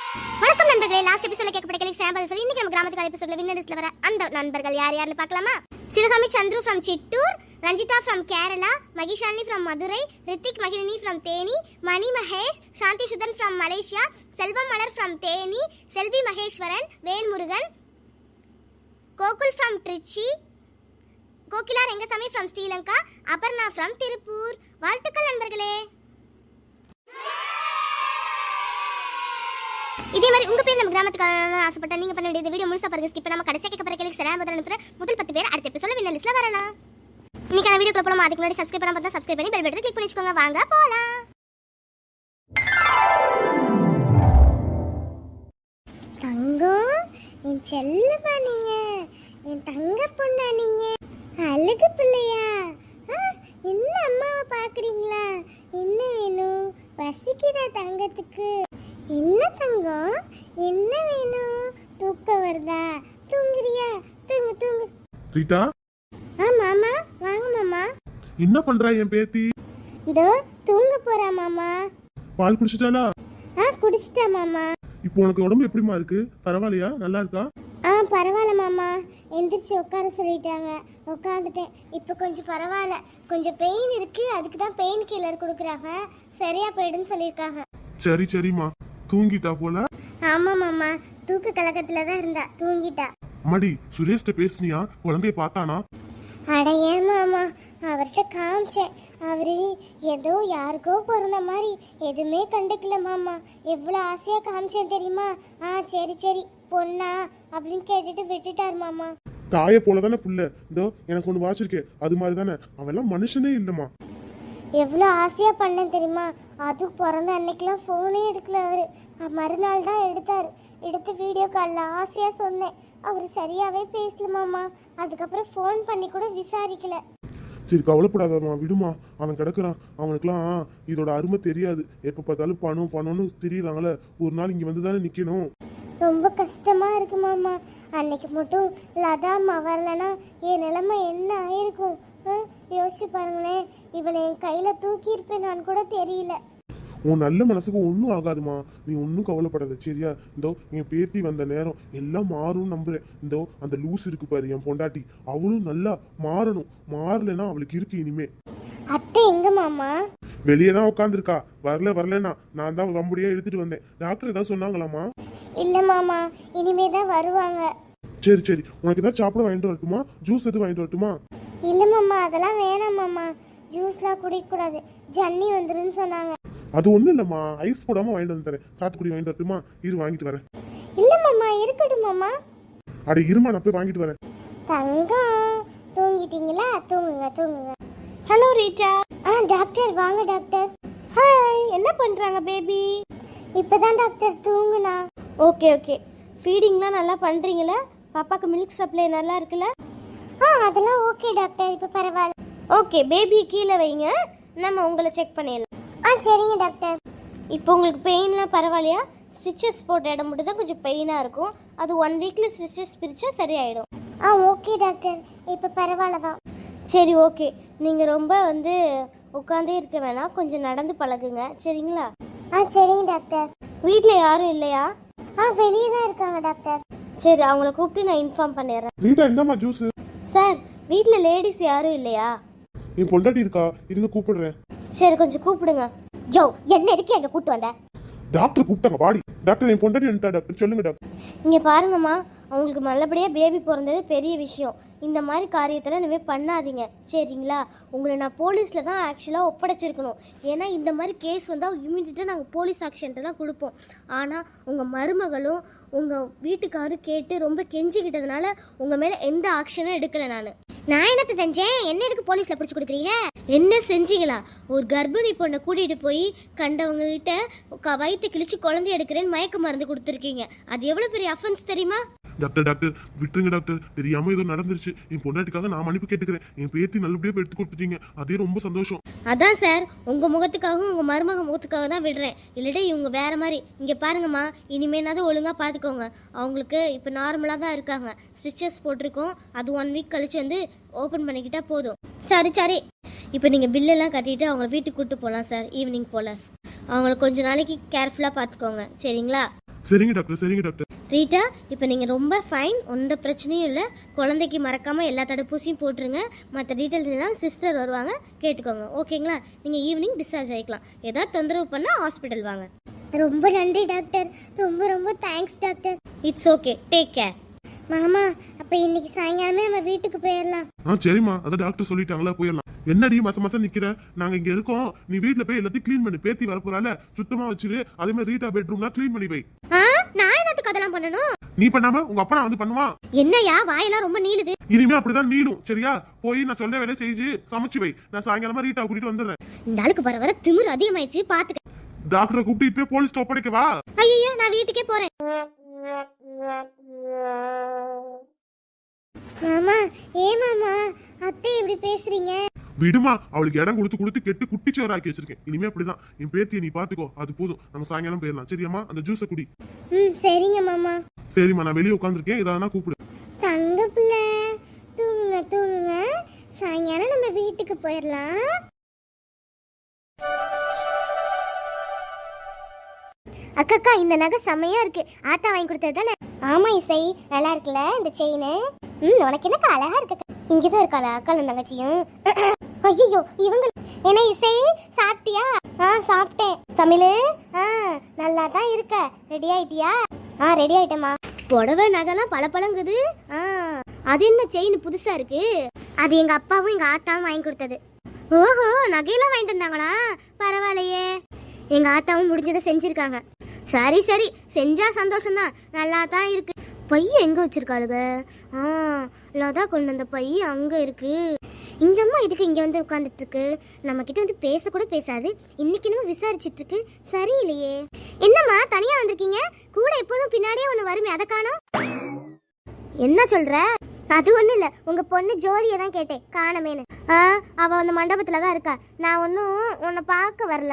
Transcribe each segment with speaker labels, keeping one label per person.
Speaker 1: வணக்கம் நண்பர்களே, லாஸ்ட் எபிசோட்ல கேட்கப்பட்ட கேள்விக்கு சாம்பல் சொல்லி இன்னைக்கு நம்ம கிராமத்துக்கு எபிசோட்ல வின்னர் லிஸ்ட்ல வர அந்த நண்பர்கள் யார் யாருன்னு பார்க்கலாமா? Sivakami Chandru from Chittoor, Ranjitha from Kerala, Mahishalini from Madurai, Hrithik Magizhini from Theni, Mani Mahesh, Shanthi Sudhan from Malaysia, Selvam Malar from Theni, Selvi Maheswaran, Velmurugan, Gokul from Trichy, Kokila Rengasamy from Sri Lanka, Aparna from Tiruppur. வாழ்த்துக்கள் நண்பர்களே. இதே மாதிரி உங்க பேர் நம்ம கிராமத்துக்கு ஆசைப்பட்டா நீங்க பண்ண வேண்டியது வீடியோ முழுசா பாருங்க, ஸ்கிப் பண்ணாம கடைசியா கேட்க போற கேள்விக்கு சரியான பதில் அனுப்புற முதல் 10 பேர் அடுத்த எபிசோட்ல வின்னர் லிஸ்ட்ல வரலாம். இன்னைக்கான வீடியோக்குள்ள போலாம். அதுக்கு முன்னாடி சப்ஸ்கிரைப் பண்ணாம பார்த்தா சப்ஸ்கிரைப் பண்ணி பெல் பட்டனை கிளிக் பண்ணி வச்சுக்கோங்க. வாங்க போலாம். தங்கம், என் செல்லமா நீங்க, என் தங்க பொண்ணா நீங்க, அழகு பிள்ளையா? என்ன அம்மாவை பாக்குறீங்களா? என்ன வேணும்? பசிக்குதா தங்கத்துக்கு? என்ன தங்கம், என்ன வேணும்? தூக்கம் வருதா? தூங்குறியா? தூங்கு தூங்கு.
Speaker 2: ரீட்டா.
Speaker 1: மாமா வாங்க மாமா.
Speaker 2: என்ன பண்றா என் பேத்தி?
Speaker 1: இதோ தூங்க போறா மாமா.
Speaker 2: பால் குடிச்சிட்டாளா?
Speaker 1: குடிச்சிட்டா மாமா.
Speaker 2: இப்போ உனக்கு உடம்பு எப்படிமா இருக்கு? பரவாயில்லையா? நல்லா இருக்கா?
Speaker 1: பரவாயில்ல மாமா. எந்திரிச்சு உட்கார சொல்லிட்டாங்க, உட்காந்துட்டேன். இப்போ கொஞ்சம் பரவாயில்ல. கொஞ்சம் பெயின் இருக்கு, அதுக்கு தான் பெயின் கில்லர் கொடுக்குறாங்க. சரியா போயிடுன்னு சொல்லியிருக்காங்க.
Speaker 2: சரி சரிம்மா. தூங்கிட்டா போல?
Speaker 1: ஆமா மாமா, தூக்க கலக்கத்துல தான் இருந்தா, தூங்கிட்டா.
Speaker 2: அம்மாடி, சுரேஷ்ட பேசுனியா? குழந்தைய பார்த்தானா?
Speaker 1: அட ஏன் மாமா, அவர்கிட்ட காமிச்சேன். அவரு ஏதோ யாருக்கோ பிறந்த மாதிரி எதுவுமே கண்டுக்கல மாமா. எவ்வளோ ஆசையா காமிச்சேன் தெரியுமா? சரி சரி பொண்ணா அப்படின்னு கேட்டுட்டு விட்டுட்டார் மாமா.
Speaker 2: தாய போலதானே புள்ள. இதோ எனக்கு ஒண்ணு வாச்சிருக்கே, அது மாதிரி தானே. அவெல்லாம் மனுஷனே இல்லம்மா.
Speaker 1: எவ்வளோ ஆசையா பண்ணேன் தெரியுமா? அதுக்கு பிறந்த அன்னைக்கெல்லாம் ஃபோனே எடுக்கல அவரு. மறுநாள் தான் எடுத்தார். எடுத்து வீடியோ காலில் ஆசையா சொன்னேன். அவர் சரியாவே பேசல மாமா. அதுக்கப்புறம் ஃபோன் பண்ணி கூட விசாரிக்கல.
Speaker 2: சரி கவலைப்படாதம்மா, விடுமா. அவன் கிடக்குறான். அவனுக்குலாம் இதோட அருமை தெரியாது. எப்ப பார்த்தாலும் பணம் பணம்னு தெரியறாங்களே. ஒரு நாள் இங்க வந்து தானே நிக்கணும்.
Speaker 1: ரொம்ப கஷ்டமா இருக்கு மாமா. அன்னைக்கு மட்டும் லதாம்மா வரலன்னா என் நிலைமை என்ன ஆயிருக்கும்? யோசிச்சு பாருங்களேன். இவளை என் கையில தூக்கி இருப்பேன் நான் கூட தெரியல.
Speaker 2: உன் நல்ல மனசுக்கு ஒன்றும் ஆகாதுமா, நீ ஒன்றும் கவலைப்படாத சரியா? இந்தோ என் பேத்தி வந்த நேரம் எல்லாம் மாறும்னு நம்புறேன். இந்தோ அந்த லூஸ் இருக்கு பாரு என் பொண்டாட்டி, அவளும் நல்லா மாறணும். மாறலைன்னா அவளுக்கு இருக்கு இனிமே.
Speaker 1: அத்தை எங்க மாமா?
Speaker 2: வெளியே தான் உட்காந்துருக்கா. வரலன்னா நான் தான் வம்படியா எடுத்துட்டு வந்தேன். டாக்டர் ஏதாவது சொன்னாங்களாமா?
Speaker 1: இல்ல மாமா, இனிமே தான் வருவாங்க.
Speaker 2: சரி சரி, உனக்கு ஏதாவது சாப்பிட வாங்கிட்டு வரட்டுமா? ஜூஸ் எதுவும் வாங்கிட்டு வரட்டுமா?
Speaker 1: இல்ல மாமா, அதெல்லாம் வேணாம் மாமா. ஜூஸ்லாம் குடிக்க கூடாது, ஜன்னி வந்துருன்னு சொன்னாங்க.
Speaker 2: அது ஒண்ணும் இல்லம்மா, ஐஸ் போடாம வாங்கிட்டு வந்து தரேன். சாத்துக்குடி வாங்கிட்டு வரட்டுமா? இரு வாங்கிட்டு வரேன்.
Speaker 1: இல்ல மாமா, இருக்கட்டும் மாமா.
Speaker 2: அட இருமா, நான் போய் வாங்கிட்டு வரேன்.
Speaker 1: தங்கம், தூங்கிட்டீங்களா? தூங்குங்க தூங்குங்க. Hello Rita. டாக்டர் வாங்க டாக்டர். ஹாய், என்ன பண்றாங்க பேபி? இப்பதான் டாக்டர் தூங்குனா. Okay okay. ஃபீடிங்லாம் நல்லா பண்றீங்களா? பாப்பாக்கு மில்க் சப்ளை நல்லா இருக்குல்ல? அதெல்லாம் ஓகே டாக்டர், இப்போ பரவாயில்ல. ஓகே, பேபி கீழே வைங்க, நம்ம உங்களை செக் பண்ணிடலாம். சரிங்க டாக்டர். இப்போ உங்களுக்கு பெயின்லாம் பரவாயில்லையா? ஸ்டிச்சஸ் போட்ட இடம் மட்டும் தான் கொஞ்சம் பெயினாக இருக்கும். அது 1 வீக்ல ஸ்டிச்சஸ் பிரிச்சா சரியாயிடும். ஓகே டாக்டர், இப்போ பரவாயில்ல தான். சரி ஓகே. நீங்கள் ரொம்ப உட்காந்தே இருக்க வேணாம், கொஞ்சம் நடந்து பழகுங்க சரிங்களா? சரிங்க டாக்டர். வீட்டில் யாரும் இல்லையா? வெளியே தான் இருக்காங்க டாக்டர். சரி, அவங்கள கூப்பிட்டு நான் இன்ஃபார்ம் பண்ணிடுறேன்.
Speaker 2: ரீட்டா இந்தாம்மா ஜூஸ்.
Speaker 1: சார், வீட்டில் லேடிஸ் யாரும் இல்லையா?
Speaker 2: என் பொண்டாட்டி இருக்கா, இருங்க கூப்பிடுறேன்.
Speaker 1: சரி, கொஞ்சம் கூப்பிடுங்க. ஜோ, என்ன எதுக்கு எங்க கூட்டு வந்த?
Speaker 2: டாக்டர் கூப்பிட்டாங்க பாடி. டாக்டர் என் பொண்டாட்டி வந்துட்டா டாக்டர், சொல்லுங்க டாக்டர்.
Speaker 1: இங்க பாருங்கம்மா, அவங்களுக்கு நல்லபடியாக பேபி பிறந்தது பெரிய விஷயம். இந்த மாதிரி காரியத்தெல்லாம் இனிமேல் பண்ணாதீங்க சரிங்களா? உங்களை நான் போலீஸில் தான் ஆக்சுவலாக ஒப்படைச்சிருக்கணும். ஏன்னா இந்த மாதிரி கேஸ் வந்தால் இமீடியட்டாக நாங்கள் போலீஸ் ஆக்ஷன்ட்டு தான் கொடுப்போம். ஆனால் உங்கள் மருமகளும் உங்கள் வீட்டுக்காரும் கேட்டு ரொம்ப கெஞ்சிக்கிட்டதுனால உங்கள் மேலே எந்த ஆக்ஷனும் எடுக்கலை. நான் என்னத்தை செஞ்சேன்? என்ன எதுக்கு போலீஸில் பிடிச்சி கொடுக்குறீங்க? என்ன செஞ்சீங்களா? ஒரு கர்ப்பிணி பொண்ணை கூட்டிகிட்டு போய் கண்டவங்க கிட்ட வயிற்று கிழிச்சு குழந்தை எடுக்கிறேன்னு மயக்க மருந்து கொடுத்துருக்கீங்க. அது எவ்வளோ பெரிய அஃபென்ஸ் தெரியுமா?
Speaker 2: டாக்டர் டாக்டர் விட்டுருங்க டாக்டர், தெரியாம ஏதோ நடந்துருச்சு. என் பொண்டாட்டிக்காக நான் மன்னிப்பு கேட்டுக்கிறேன். என் பேத்தி நல்லபடியா எடுத்து கொடுத்துட்டீங்க, அதே ரொம்ப சந்தோஷம்.
Speaker 1: அதான் சார், உங்க முகத்துக்காகவும் உங்க மருமக முகத்துக்காக தான் விடுறேன். இல்லாட்டி இவங்க வேற மாதிரி. இங்க பாருங்கம்மா, இனிமேனாவது ஒழுங்கா பாத்துக்கோங்க. அவங்களுக்கு இப்ப நார்மலா தான் இருக்காங்க. ஸ்டிச்சஸ் போட்டிருக்கோம். அது 1 வீக் கழிச்சு ஓபன் பண்ணிக்கிட்டா போதும். சரி சரி, இப்போ நீங்கள் பில்லெல்லாம் கட்டிட்டு அவங்கள வீட்டுக்கு கூப்பிட்டு போகலாம் சார். ஈவினிங் போல் அவங்கள கொஞ்சம் நாளைக்கு கேர்ஃபுல்லாக பார்த்துக்கோங்க சரிங்களா?
Speaker 2: சரிங்க டாக்டர், சரிங்க டாக்டர்.
Speaker 1: ரீட்டா, இப்போ நீங்கள் ரொம்ப ஃபைன், எந்த பிரச்சனையும் இல்லை. குழந்தைக்கு மறக்காமல் எல்லா தடுப்பூசியும் போட்டுருங்க. மற்ற டீட்டெயில்ஸ் தான் சிஸ்டர் வருவாங்க, கேட்டுக்கோங்க. ஓகேங்களா? நீங்கள் ஈவினிங் டிஸ்சார்ஜ் ஆகிக்கலாம். ஏதாவது தொந்தரவு பண்ணால் ஹாஸ்பிட்டல் வாங்க. ரொம்ப நன்றி டாக்டர், ரொம்ப ரொம்ப thanks doctor. It's okay, take care. மாமா, அப்போ இன்னைக்கு சாயங்காலமே நம்ம வீட்டுக்கு போயிடலாம்.
Speaker 2: சரிம்மா, அதான் டாக்டர் சொல்லிட்டாங்களா, போயிடலாம். என்னடி மாசம் நிக்கிற? நாங்க இங்க இருக்கோம், நீ வீட்ல போய் எல்லாத்தையும் க்ளீன் பண்ணி, பேத்தி வரப்போறால சுத்தமா வச்சிரு. அதே மாதிரி ரீட்டா பெட்ரூம்லாம் க்ளீன் பண்ணி வை.
Speaker 1: நான் என்னத்துக்கு அதெல்லாம் பண்ணணும்?
Speaker 2: நீ பண்ணாம உங்க அப்பா வந்து பண்ணுவான்.
Speaker 1: என்னையா வாயெல்லாம் ரொம்ப நீளுது?
Speaker 2: இனிமே அப்படிதான் நீளும், சரியா? போய் நான் சொல்ல வேலையை செஞ்சு சமைச்சு வை. நான் சாயங்காலமா ரீட்டா கூட்டிட்டு வந்துடுறேன்.
Speaker 1: இந்த ஆளுக்கு வர வர திமிரு அதிகமாயிடுச்சு, பாத்துக்க.
Speaker 2: டாக்டரை கூப்பிட்டு இப்ப போலீஸ் ஒப்படைக்கவா?
Speaker 1: ஐயோ, நான் வீட்டுக்கே போறேன். மாமா, மாமா, அத்தை இப்படி பேசுறீங்க?
Speaker 2: விடுமா, அவளுக்கு இடம் கொடுத்து கொடுத்து கெட்டு குட்டிச்சவராக்கி வச்சிருக்கேன். இனிமே அப்படிதான். என் பேத்தியை நீ பாத்துக்கோ, அது போதும். நம்ம சாயங்காலம் போயிடலாம், சரியாமா? அந்த ஜூஸை குடி.
Speaker 1: சரிங்க மாமா.
Speaker 2: சரிம்மா, நான் வெளியே உட்காந்துருக்கேன், ஏதாவது கூப்பிடு.
Speaker 1: தங்க பிள்ளை, தூங்குங்க தூங்குங்க. சாயங்காலம் நம்ம வீட்டுக்கு போயிடலாம். அக்கா, இந்த நகை செம்மையா இருக்கு. ஆத்தா வாங்கி கொடுத்தது தானே? ஆமா இசை, நல்லா இருக்குல்ல இந்த செயின்? உனக்கு என்னக்கா அழகா இருக்கு. இங்கதான் இருக்காளா அக்காலும் தங்கச்சியும்? ஐயோ, இவங்க என்ன இசை, சாப்பிட்டியா? சாப்பிட்டேன். தமிழு, நல்லா தான் இருக்க. ரெடி ஆயிட்டியா? ரெடி ஆயிட்டேமா. புடவை நகைலாம் பளபளங்குது. அது என்ன செயின் புதுசா இருக்கு? அது எங்க அப்பாவும் எங்க ஆத்தாவும் வாங்கி கொடுத்தது. ஓஹோ, நகையெல்லாம் வாங்கிட்டு வந்தாங்களா? பரவாயில்லையே. எங்க ஆத்தாவும் முடிஞ்சதை செஞ்சிருக்காங்க. சரி சரி, செஞ்சா சந்தோஷம்தான். நல்லா தான் இருக்கு. பையன் எங்க வச்சிருக்காளுங்க? லதா கொண்டு வந்த பை அங்க இருக்கு. இந்த அம்மா இதுக்கு இங்க வந்து உட்கார்ந்துட்டு இருக்கு. நம்ம கிட்ட வந்து பேச கூட பேசாது. இன்னைக்கு நம்ம விசாரிச்சிட்டு இருக்கு. சரியில்லையே. என்னம்மா தனியா வந்திருக்கீங்க? கூட எப்போதும் பின்னாடியே ஒண்ணு வருமே, அதை காணோம். என்ன சொல்ற? அது ஒண்ணும் இல்ல, உங்க பொண்ணு ஜோதியை தான் கேட்டேன், காணமேனு. அவ அந்த மண்டபத்துல தான் இருக்கா. நான் ஒன்னும் உன்னை பார்க்க வரல.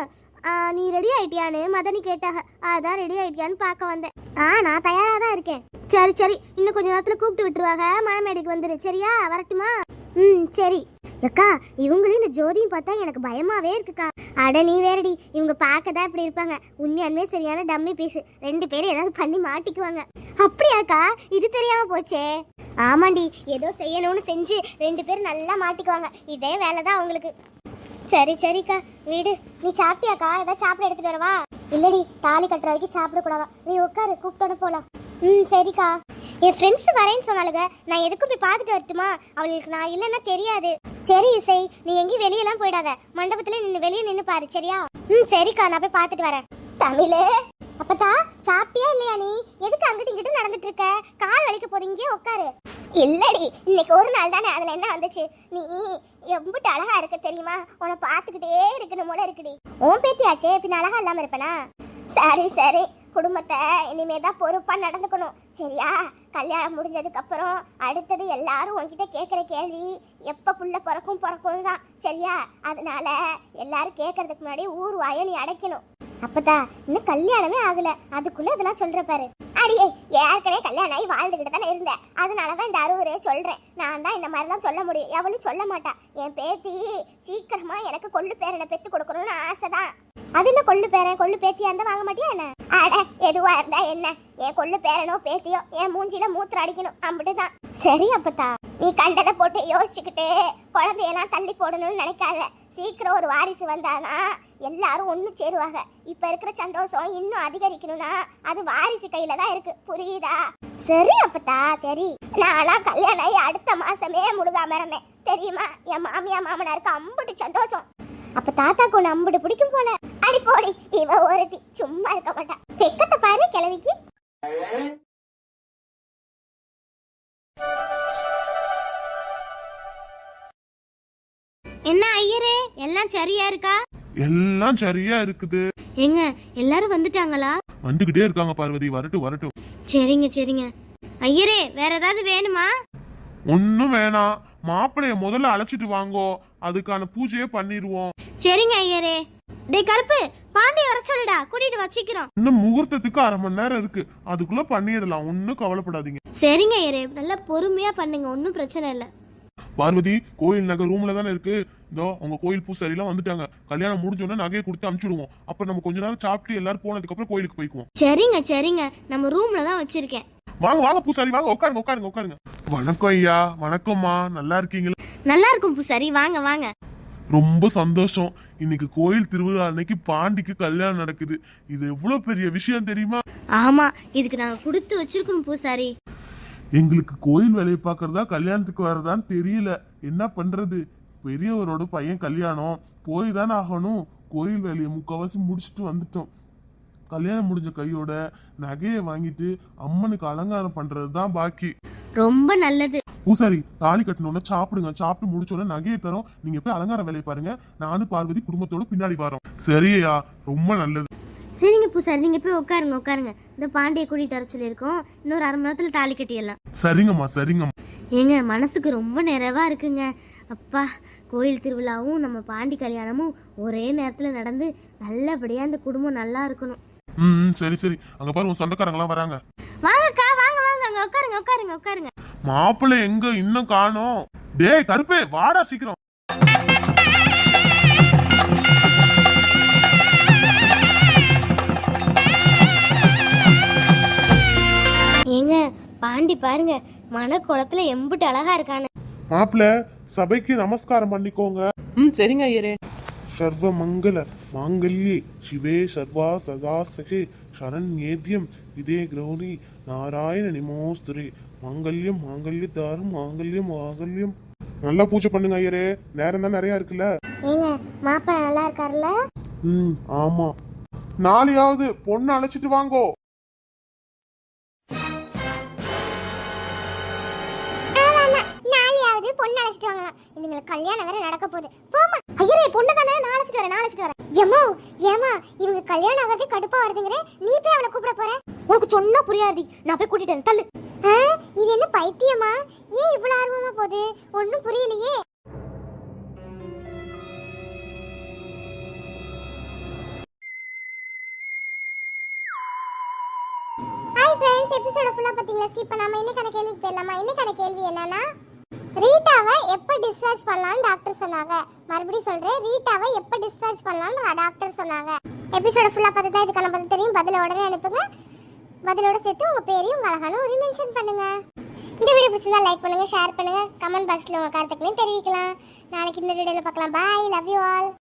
Speaker 1: நீ ரெடி ஆயிட்டியான்னு மதனி கேட்டாக, அதான் ரெடி ஆயிட்டியான்னு பார்க்க வந்தேன். நான் தயாரா தான் இருக்கேன். சரி சரி, இன்னும் கொஞ்ச நேரத்துல கூப்பிட்டு விட்டுருவாங்க. மணமேடைக்கு வந்துரு, சரியா? வரட்டுமா? சரி. அக்கா, இவங்களும் இந்த ஜோதியும் பார்த்தா எனக்கு பயமாவே இருக்குக்கா. அட நீ வேறடி, இவங்க பார்க்கதான் இப்படி இருப்பாங்க. உண்மையாலுமே சரியான டம்மி பீஸ். 2 பேரும் ஏதாவது பண்ணி மாட்டிக்குவாங்க. அப்படியாக்கா? இது தெரியாம போச்சே. ஆமாண்டி, ஏதோ செய்யணும்னு செஞ்சு 2 பேரும் நல்லா மாட்டிக்குவாங்க. இதே வேலைதான் அவங்களுக்கு. சரி சரிக்கா, வீடு. நீ சாப்பிட்டியாக்கா? ஏதாவது சாப்பிட எடுத்துட்டு வரவா? இல்லடி, தாலி கட்டுற வரைக்கும் சாப்பிட கூடாதா. நீ உட்காரு, கூப்பிட்டு போலாம். சரிக்கா. என் ஃப்ரெண்ட்ஸ் வரேன்னு சொன்னாலுங்க. நான் எதுக்கும் போய் பார்த்துட்டு வரட்டுமா? அவளுக்கு நான் இல்லைன்னா தெரியாது. சரி இசை, நீ எங்கேயும் வெளியெல்லாம் போயிடாத. மண்டபத்துல நின்று வெளியே நின்று பாரு, சரியா? சரிக்கா, நான் போய் பார்த்துட்டு வரேன். தமிழே, அப்பதா சாப்பிட்டியா இல்லையா? நீ எதுக்கு அங்கிட்டு இங்கிட்டு நடந்துட்டு இருக்க? கால் வலிக்க போது, இங்கே உட்காரு. இல்லடி, இன்னைக்கு ஒரு நாள் தானே, அதுல என்ன வந்துச்சு? நீ எம்பிட்டு அழகா இருக்க தெரியுமா? உன்னை பார்த்துக்கிட்டே இருக்கணும் போல இருக்குடி. உன் பேத்தியாச்சே, பின்ன அழகா இல்லாம இருப்பனா? சரி சரி, குடும்பத்தை இனிமேதான் பொறுப்பா நடந்துக்கணும், சரியா? கல்யாணம் முடிஞ்சதுக்கு அப்புறம் அடுத்தது எல்லாரும் உன்கிட்ட கேட்குற கேள்வி எப்ப புள்ள பிறக்கும் தான், சரியா? அதனால எல்லாரும் கேட்கறதுக்கு முன்னாடி ஊர் வாயை நீ அடைக்கணும். அப்பதா இன்னும் கல்யாணமே ஆகல, அதுக்குள்ள இதெல்லாம் சொல்ற பாரு. அடியே, ஏற்கனவே கல்யாணம் ஆகி வாழ்ந்துகிட்டு தானே இருந்தேன். அதனாலதான் இந்த அறுவரே சொல்றேன். நான் தான் இந்த மாதிரிலாம் சொல்ல முடியும், எவளும் சொல்ல மாட்டா. என் பேத்தி சீக்கிரமா எனக்கு கொள்ளு பேரனை பெத்து கொடுக்கணும்னு ஆசைதான். அது என்ன கொள்ளு பேரன், கொள்ளு பேத்தியா இருந்தா வாங்க மாட்டியா என்ன? அட, எதுவா இருந்தா என்ன, என் கொள்ளு பேரனோ பேத்தியோ என் மூஞ்சில மூத்திர அடிக்கணும், அம்பிட்டுதான். சரி அப்பத்தா, நீ கண்டதை போட்டு யோசிச்சுக்கிட்டு குழந்தையெல்லாம் தள்ளி போடணும்னு நினைக்காத. சீக்கிரம் ஒரு வாரிசு வந்தானா எல்லாரும் ஒண்ணு சேருவாங்க. இப்ப இருக்கிற சந்தோஷம் இன்னும் அதிகரிக்கணும்னா அது வாரிசு கையில தான் இருக்கு, புரியுதா? சரி அப்பத்தா, சரி. நான்லாம் கல்யாணம் ஆகி அடுத்த மாசமே முழுகாம இருந்தேன், தெரியுமா? என் மாமியா மாமனாருக்கு அம்புட்டு சந்தோஷம். அப்ப தாத்தாக்கு ஒண்ணு அம்புட்டு பிடிக்கும் போல. அடி போடி, இவ ஒருத்தி சும்மா இருக்க மாட்டா. வெக்கத்தை பாரு கிழவிக்கு. என்ன ஐயரே, எல்லாம் சரியா இருக்கா?
Speaker 2: எல்லாம் சரியா இருக்குது.
Speaker 1: எங்க எல்லாரும் வந்துட்டாங்களா?
Speaker 2: வந்துகிட்டே இருக்காங்க பார்வதி, வரட்டும் வரட்டும்.
Speaker 1: சரிங்க சரிங்க. ஐயரே, வேற ஏதாவது வேணுமா?
Speaker 2: ஒன்னும் வேணாம், மாப்பிளைய முதல்ல அழைச்சிட்டு வாங்கோ, அதுக்கான பூஜையே பண்ணிடுவோம்.
Speaker 1: சரிங்க ஐயரே. டேய் கருப்பு, பாண்டிய வர சொல்லுடா, கூட்டிட்டு வச்சிக்கிறோம்.
Speaker 2: இன்னும் முகூர்த்தத்துக்கு 1/2 மணி நேரம் இருக்கு, அதுக்குள்ள பண்ணிடலாம், ஒன்னும் கவலைப்படாதீங்க.
Speaker 1: சரிங்க ஐயரே, நல்லா பொறுமையா பண்ணுங்க, ஒன்னும் பிரச்சனை இல்ல.
Speaker 2: பார்வதி கோயில் நகை ரூம்ல தானே இருக்கு. இதோ உங்க கோயில் பூசாரி எல்லாம் வந்துட்டாங்க. கல்யாணம் முடிஞ்சோன்னா நகையை கொடுத்து அனுப்பிச்சுடுவோம். அப்புறம் நம்ம கொஞ்ச நேரம் சாப்பிட்டு எல்லாரும் போனதுக்கு அப்புறம் கோயிலுக்கு போய்க்குவோம்.
Speaker 1: சரிங்க சரிங்க, நம்ம ரூம்ல தான் வச்சிருக்கேன்.
Speaker 2: வாங்க வாங்க பூசாரி வாங்க, உட்காருங்க உட்காருங்க உட்காருங்க. வணக்கம் ஐயா. வணக்கம்மா, நல்லா இருக்கீங்களா?
Speaker 1: நல்லா இருக்கும் பூசாரி, வாங்க வாங்க.
Speaker 2: ரொம்ப சந்தோஷம். இன்னைக்கு கோயில் திருவிழா அன்னைக்கு பாண்டிக்கு கல்யாணம் நடக்குது. இது எவ்வளவு பெரிய விஷயம் தெரியுமா?
Speaker 1: ஆமா, இதுக்கு நாங்க கொடுத்து வச்சிருக்கணும் பூசாரி.
Speaker 2: எங்களுக்கு கோயில் வேலையை பார்க்கறதா கல்யாணத்துக்கு வரதான்னு தெரியல. என்ன பண்றது? பெரியவரோட பையன் கல்யாணம், போய் தானே ஆகணும். கோயில் வேலையை முக்கால்வாசி முடிச்சுட்டு வந்துட்டோம். கல்யாணம் முடிஞ்ச கையோட நகையை வாங்கிட்டு அம்மனுக்கு அலங்காரம் பண்றது தான் பாக்கி.
Speaker 1: ரொம்ப நல்லது
Speaker 2: பூசாரி, தாலி கட்டணும்னா சாப்பிடுங்க. சாப்பிட்டு முடிச்சோன்னா நகையை தரோம். நீங்க போய் அலங்கார வேலையை பாருங்க. நானும் பார்வதி குடும்பத்தோட பின்னாடி வரோம். சரியா? ரொம்ப நல்லது.
Speaker 1: சரிங்க பூசாரி, நீங்க போய் உட்காருங்க உட்காருங்க. இந்த பாண்டியை கூட்டிட்டு வர சொல்லியிருக்கோம். இன்னொரு அரை மணி நேரத்துல தாலி கட்டிடலாம்.
Speaker 2: சரிங்கம்மா சரிங்கம்மா.
Speaker 1: ஏங்க மனசுக்கு ரொம்ப நிறைவா இருக்குங்க. அப்பா, கோயில் திருவிழாவும் நம்ம பாண்டி கல்யாணமும் ஒரே நேரத்துல நடந்து நல்லபடியா இந்த குடும்பம் நல்லா இருக்கணும்.
Speaker 2: சரி சரி. அங்க பாரு உன் சொந்தக்காரங்களாம் வராங்க.
Speaker 1: வாங்கக்கா, வாங்க வாங்க, அங்க உட்காருங்க உட்காருங்க உட்காருங்க.
Speaker 2: மாப்பிள்ளை எங்க இன்னும் காணோம்? டேய் கருப்பே, வாடா சீக்கிரம்.
Speaker 1: ஏங்க பாண்டி பாருங்க, மனக்குளத்துல எம்புட்டு அழகா இருக்கானு.
Speaker 2: மாப்பிள்ளை, சபைக்கு நமஸ்காரம் பண்ணிக்கோங்க.
Speaker 3: சரிங்க ஐயரே.
Speaker 2: சர்வ மங்கள மாங்கல்யே சிவே சர்வா சதா சகே சரண்யேத்யம் இதே கிரௌரி நாராயண நிமோஸ்துரே மாங்கல்யம் மாங்கல்ய தாரும் மாங்கல்யம் மாங்கல்யம். நல்லா பூஜை பண்ணுங்க ஐயரே, நேரம் தான் நிறைய இருக்குல்ல.
Speaker 1: ஏங்க மாப்பிள்ளை நல்லா இருக்காருல்ல?
Speaker 2: ஆமா. நாளையாவது பொண்ணு அழைச்சிட்டு வாங்கோ.
Speaker 1: நாளையாவது பொண்ணு அழைச்சிட்டு வாங்கலாம். இதுங்களுக்கு கல்யாணம் வேற நடக்க போகுது. போமா ஐயரே, பொண்ணு தானே, நான் அழைச்சிட்டு வரேன். ஏமா ஏமா, இவங்க கல்யாணம் ஆகாதே கடுப்பா வருதுங்கற, நீ போய் அவளை கூப்பிட போற? உனக்கு சொன்னா புரியாது, நான் போய் கூட்டிட்டு வரேன். தள்ளு. இது என்ன பைத்தியமா? ஏன் இவ்வளவு ஆர்வமா போகுது? ஒண்ணும் புரியலையே. ஹாய் ஃப்ரெண்ட்ஸ், எபிசோட ஃபுல்லா பாத்தீங்களா? ஸ்கிப் பண்ணாம இன்னைக்கான கேள்விக்கு போயிடலாமா? இன்னைக்கான கேள்வி என்னன்னா, ரீட்டாவை எப்ப டிஸ்சார்ஜ் பண்ணலாம்னு டாக்டர் சொன்னாங்க. மறுபடியும் சொல்றேன், ரீட்டாவை எப்ப டிஸ்சார்ஜ் பண்ணலாம்னு டாக்டர் சொன்னாங்க. எபிசோட ஃபுல்லா பார்த்தா இதுக்கான பதில் தெரியும். பதில உடனே அனுப்புங்க. பதிலோட சேர்த்து உங்க பேரையும் உங்க அழகான ஒரு மென்ஷன் பண்ணுங்க. இந்த வீடியோ பிடிச்சிருந்தா லைக் பண்ணுங்க, ஷேர் பண்ணுங்க, கமெண்ட் பாக்ஸ்ல உங்க கருத்துக்களையும் தெரிவிக்கலாம். நாளைக்கு இன்னொரு வீடியோல பார்க்கலாம். Bye, love you all.